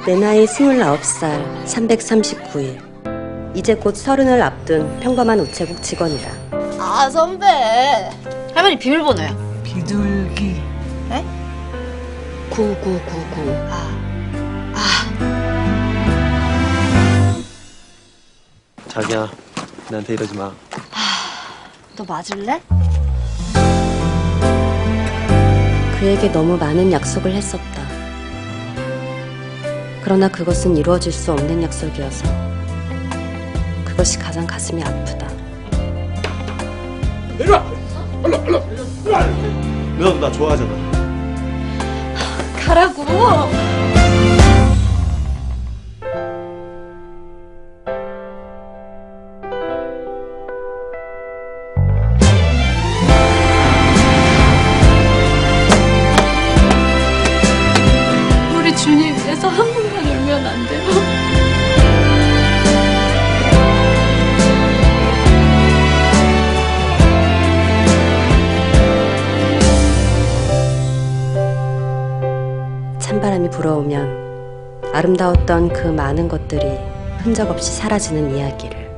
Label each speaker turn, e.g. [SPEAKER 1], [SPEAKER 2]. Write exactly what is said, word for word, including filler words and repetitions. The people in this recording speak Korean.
[SPEAKER 1] 내 나이 스물아홉 살 삼백삼십구 일. 이제 곧 서른을 앞둔 평범한 우체국 직원이다.
[SPEAKER 2] 아 선배, 할머니 비밀번호요.
[SPEAKER 3] 비둘기.
[SPEAKER 2] 에?
[SPEAKER 1] 구구구구.
[SPEAKER 2] 아, 아,
[SPEAKER 4] 자기야, 나한테 이러지 마.
[SPEAKER 2] 너 맞을래?
[SPEAKER 1] 그에게 너무 많은 약속을 했었다. 그러나 그것은 이루어질 수 없는 약속이어서 그것이 가장 가슴이 아프다.
[SPEAKER 4] 내려와! 얼른, 얼른! 누나도 나 좋아하잖아.
[SPEAKER 2] 가라고. 우리 준이 위해서 한 번만 울면 안 돼요?
[SPEAKER 1] 찬바람이 불어오면 아름다웠던 그 많은 것들이 흔적 없이 사라지는 이야기를.